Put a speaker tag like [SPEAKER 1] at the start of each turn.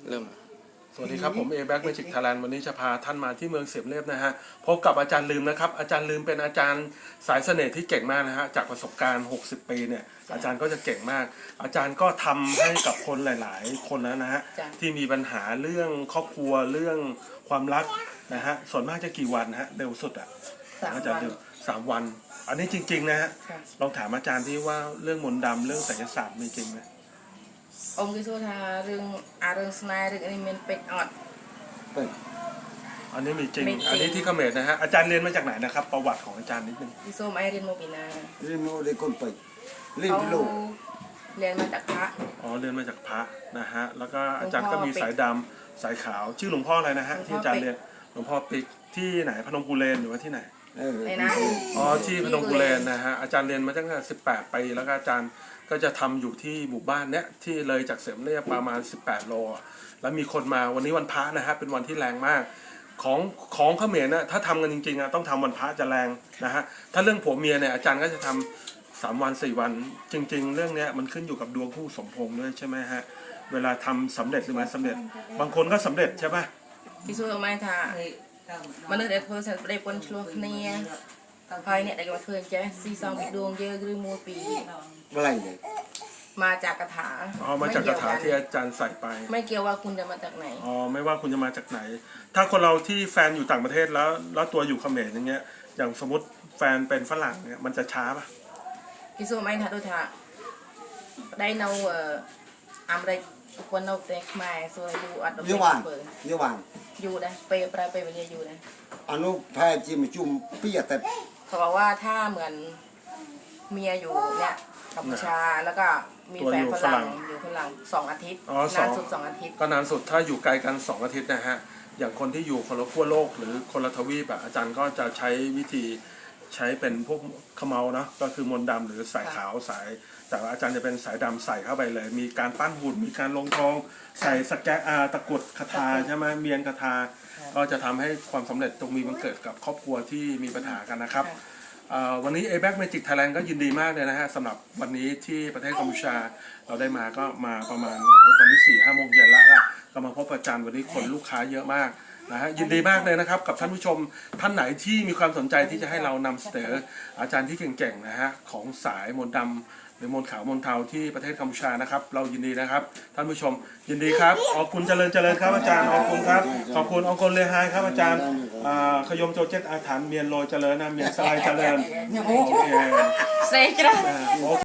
[SPEAKER 1] เริ่ม
[SPEAKER 2] สวัสดีครับผมแบ็กเมจิกไทยแลนด์วันนี้จะพาท่านมาที่เมืองเสียมเรียบนะฮะพบกับอาจารย์ลืมนะครับอาจารย์ลืมเป็นอาจารย์สายเสน่ห์ที่เก่งมากนะฮะจากประสบการณ์60ปีเนี่ยอาจารย์ก็จะเก่งมากอาจารย์ก็ทำให้กับคนหลายๆคนแล้วนะฮะที่มีปัญหาเรื่องครอบครัวเรื่องความรักนะฮะส่วนมากจะกี่วันฮะเร็วสุดอ่ะอาจารย์ลืม3 วันอันนี้จริงๆนะฮะลองถามอาจารย์ที่ว่าเรื่องมนต์ดำเรื่องไสยศาสตร์มีจริงไหม
[SPEAKER 3] องค์ที่สู้ทาเรื่องสไนเรื่องอันนี้มันเป็ดออด
[SPEAKER 2] อันนี้มีจริงอันนี้ที่เขมรนะฮะอาจารย์เรียนมาจากไหนนะครับประวัติของอาจารย์นิดนึง
[SPEAKER 3] ที่สู้ไอเรียนโมบินา
[SPEAKER 4] เรียนโมเดลคนไปเรียนโลก
[SPEAKER 3] เรียนมาจากพระ
[SPEAKER 2] เรียนมาจากพระนะฮะแล้วก็อาจารย์ก็มีสายดำสายขาวชื่อหลวงพ่ออะไรนะฮะที่อาจารย์เรียนหลวงพ่อปิกที่ไหนพนมกุเลนหรือว่าที่ไหนที่พนมกุเลนนะฮะอาจารย์เรียนมาตั้งแต่18 ปีแล้วก็อาจารย์ก็จะทำอยู่ที่หมู่บ้านเนี้ยที่เลยจากเสมเรียบประมาณ18 โลแล้วมีคนมาวันนี้วันพระนะฮะเป็นวันที่แรงมากของเขมรนะถ้าทำกันจริงๆต้องทำวันพระจะแรงนะฮะถ้าเรื่องผัวเมียเนี่ยอาจารย์ก็จะทำ3 วัน 4 วันจริงๆเรื่องนี้มันขึ้นอยู่กับดวงคู่สมพงษ์ด้วยใช่ไหมฮะเวลาทำสำเร็จหรือไม่สำเร็จบางคนก็สำเร็จใช่ไหม
[SPEAKER 3] ที่สู้เอาไม้ทามนุษย์ได้เพิ่มได้ปนชลวกเนี่ยภายเนี่ยได้มาเพิ่มแจ๊ซีซองบิดดวงเยอะหรือมัวปี
[SPEAKER 4] อะไรเนี่ย
[SPEAKER 3] มาจากคาถา
[SPEAKER 2] มาจากคาถาที่อาจารย์ใส่ไป
[SPEAKER 3] ไม่เกี่ยวว่าคุณจะมาจากไหน
[SPEAKER 2] ไม่ว่าคุณจะมาจากไหนถ้าคนเราที่แฟนอยู่ต่างประเทศแล้วตัวอยู่เขมรอย่างเงี้ยอย่างสมมติแฟนเป็นฝรั่งเนี่ยมันจะช้าป่ะ
[SPEAKER 3] ที่สู้ไม้ทาตัวทาได้เนาอเมริกคนเอาเด็กมาส่วนอยู่อัด
[SPEAKER 4] เยอะวัน
[SPEAKER 3] อยู่ได้ไปวันนี้อยู่ได้
[SPEAKER 4] อนุแพ้จิมจุ่มปียแต่
[SPEAKER 3] เขาบอกว่าถ้าเหมือนเมียอยู่เนี่ยกัมพูชาแล้วก็มีแฟนฝรั่งอยู่ฝรั่ง2 อาทิตย์นานสุด2 อาทิตย์
[SPEAKER 2] ก็นานสุดถ้าอยู่ไกลกัน2 อาทิตย์นะฮะอย่างคนที่อยู่คนละขั้วโลกหรือคนละทวีปอาจารย์ก็จะใช้วิธีใช้เป็นพวกขมเมาเนาะก็คือมนต์ดำหรือสายขาวสายแต่ว่าอาจารย์จะเป็นสายดำใส่เข้าไปเลยมีการปั้นหุ่นมีการลงทองใส่สแกตะกุดคาถาใช่ไหมเมียนคาถาก็จะทำให้ความสำเร็จตรงมีบังเกิดกับครอบครัวที่มีปัญหากันนะครับวันนี้แบ็กเมจิกไทยแลนด์ก็ยินดีมากเลยนะฮะสำหรับวันนี้ที่ประเทศกัมพูชาเราได้มาก็มาประมาณตอนนี้4-5 โมงเย็นแล้วก็มาพบอาจารย์วันนี้คนลูกค้าเยอะมากนะฮะยินดีมากเลยนะครับกับท่านผู้ชมท่านไหนที่มีความสนใจที่จะให้เรานำเสนออาจารย์ที่เก่งๆนะฮะของสายมนต์ดำหรือมนต์ขาวมนต์เทาที่ประเทศกัมพูชานะครับเรายินดีนะครับท่านผู้ชมยินดีครับขอบคุณเจริญครับอาจารย์ขอบคุณครับขอบคุณองค์กรเลไฮครับอาจารย์ขยมโจเจตอาถรรพ์เมียนโลเจริญนะเมียนสไลเจริญโอเค
[SPEAKER 3] เซกระ